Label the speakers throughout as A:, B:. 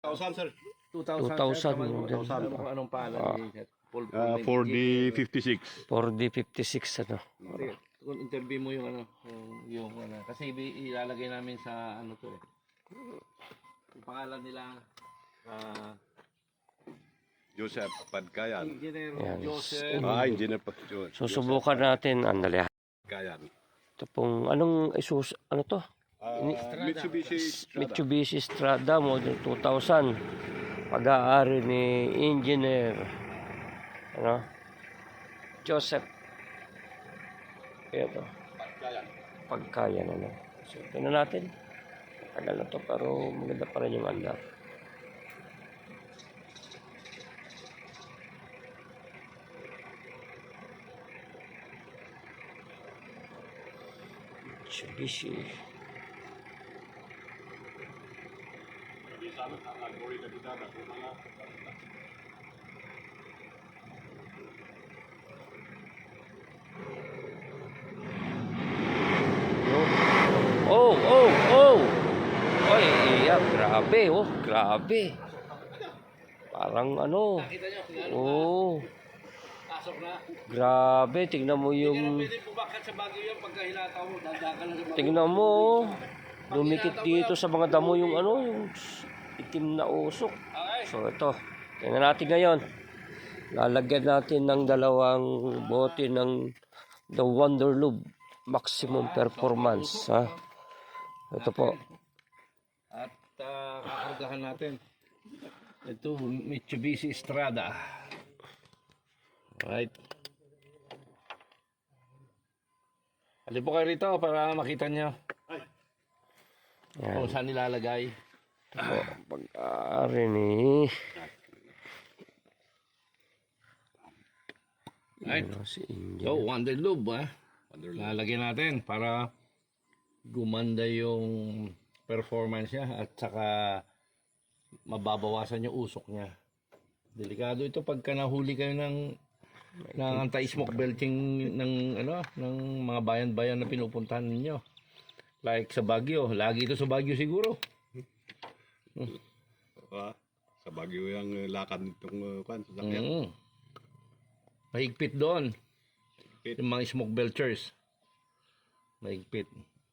A: 1,000 sir.
B: 2,000
C: mo din.
B: Alam mo kung anong pangalan niya?
A: 4D 56.
C: 4D56 ano.
B: Sige, kung interview mo yung kasi ilalagay namin sa ano to eh. Yung pangalan nila
A: Joseph Padkayan.
B: Engineer
C: Yan.
B: Joseph.
A: Engineer
C: Susubukan natin, andali.
A: Padkayan.
C: Ito pong, anong Isuzu, ano to?
A: Mitsubishi Strada.
C: Mitsubishi Strada model 2000. Pag-aari ni Engineer ano? Joseph. Ito. Pagkayan ano. So, tingnan natin. Tagal na to pero maganda pa rin yung andar. Mitsubishi. Oh, oh, oh. Oy, iya, grabe, oh, grabe. Parang ano. Oh,
B: Pasok na.
C: grabe, tingnan mo yung
B: Pwede bumakat sa Baguio yan pagka hinataw mo. Dadakan lang sa Baguio.
C: tingnan mo, oh. Dumikit dito sa mga damo yung ano, yung itim na usok.
B: Okay.
C: So ito, tingnan natin ngayon. Lalagyan natin ng dalawang bote ng The Wonder Lube Maximum Performance, ha. Ito po.
B: At kakargahan natin. Ito, Mitsubishi Strada. Alright. Halip po kayo rito para makita nyo
C: Yan.
B: kung saan nilalagay.
C: Po, pag-aari ni
B: Right.
C: si India.
B: So, Wonder Lube, lalagyan natin para gumanda yung performance niya at saka mababawasan yung usok niya. Delikado ito pagka nahuli kayo ng anti-smoke belching ng mga bayan-bayan na pinupuntahan ninyo. Like sa Baguio, lagi ito sa Baguio siguro.
A: Sa Baguio yung lakad nitong sasakyan.
B: Mahigpit doon. Yung mga smoke belchers. Mahigpit.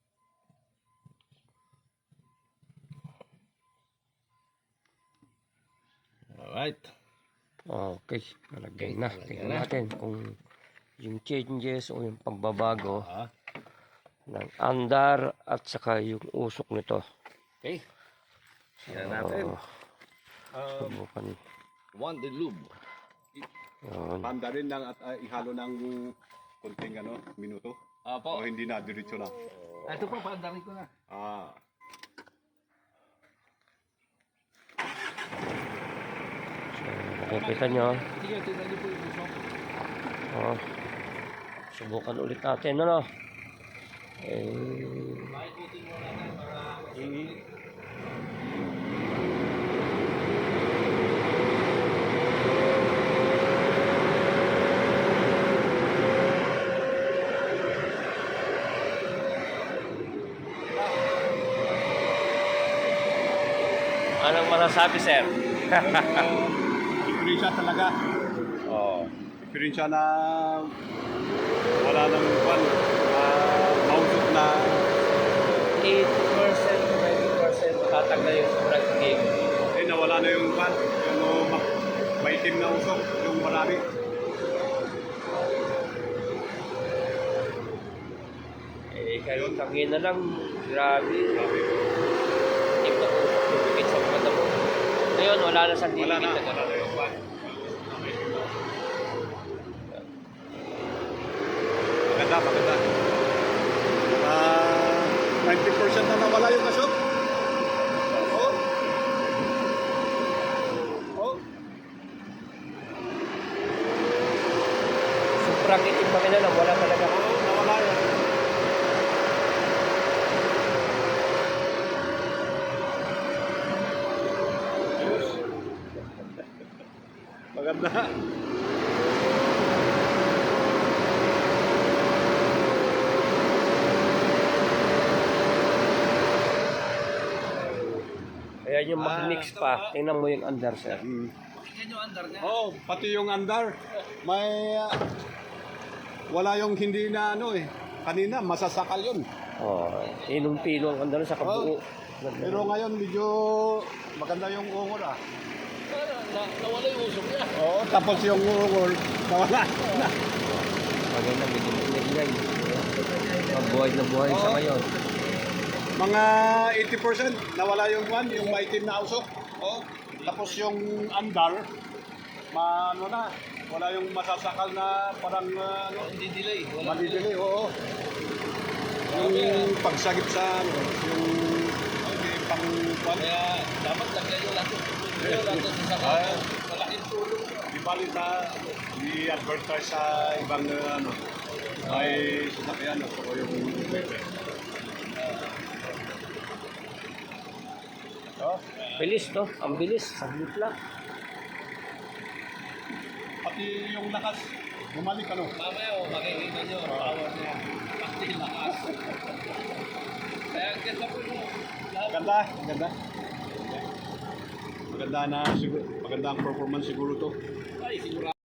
B: Alright.
C: Okay, nalagay na. Tingnan natin kung yung changes o yung pagbabago ng andar at saka yung usok nito.
B: Okay. Siya natin.
C: Subukan.
B: Wonder Lube.
C: Yun.
A: Handa rin lang at ihalo ng konting minuto. O hindi na, diretso na.
B: Ito po, paandarin ko na.
C: So, nakikita nyo.
B: Sige, tingnan niyo po yung usok.
C: Oh. Subukan ulit natin, ano?
B: Pakikutin mo natin para
C: Anong masasabi, sir?
A: Diferensya talaga.
C: Oh.
A: Diferensya na wala nang mausok na
C: 8%, 20% matatag na yung sobrang game.
A: nawala na yung yung maitim na usok, yung marami.
C: Kayo tangin na lang, grabe.
A: Grabe.
C: Hindi pa dumikit sa mga damo. Ngayon, wala na sa
A: Wala
C: didikit
A: na.
C: na gano'n.
A: Wala na yung maganda, maganda. 90% na nawala yung kasok. Oh. Oh.
C: Sobrang itim pa lang, wala talaga.
A: Nawala yan. Maganda.
C: Ayan yung mag-mix pa. Tingnan mo yung under, sir.
A: Oh, pati yung andar. May wala yung hindi na ano eh. Kanina masasakal yun.
C: Oh, pinong-pino ang under sa kabuo.
A: Pero ngayon medyo maganda yung ungol ah.
B: Nawala yung usok niya.
A: Oo, tapos yung ungol nawala.
C: Maganda, medyo maingay. Mabuhay na buhay sa ngayon.
A: Mga 80% nawala yung yung maitim na usok. Oh, tapos yung andar ano na, wala yung masasakal na parang ano,
B: Hindi delay.
A: malidili, oo. Yung pagsagip sa ano, yung pang
B: Kaya dapat lagyan yung lahat. Yung lahat sa sasakyan. Malaking tulong.
A: di bali sa i-advertise sa ibang ano, may sasakyan at saka yung paper. Oh,
C: Bilis, no? Ang bilis. Saglit lang.
A: pati yung lakas, bumalik ano.
B: Mamaya makikita nyo ang power niya. Pati lakas. Kaya ang ganda po yung
A: Maganda, maganda. Maganda na siguro, maganda ang performance siguro to.
B: ay siguro.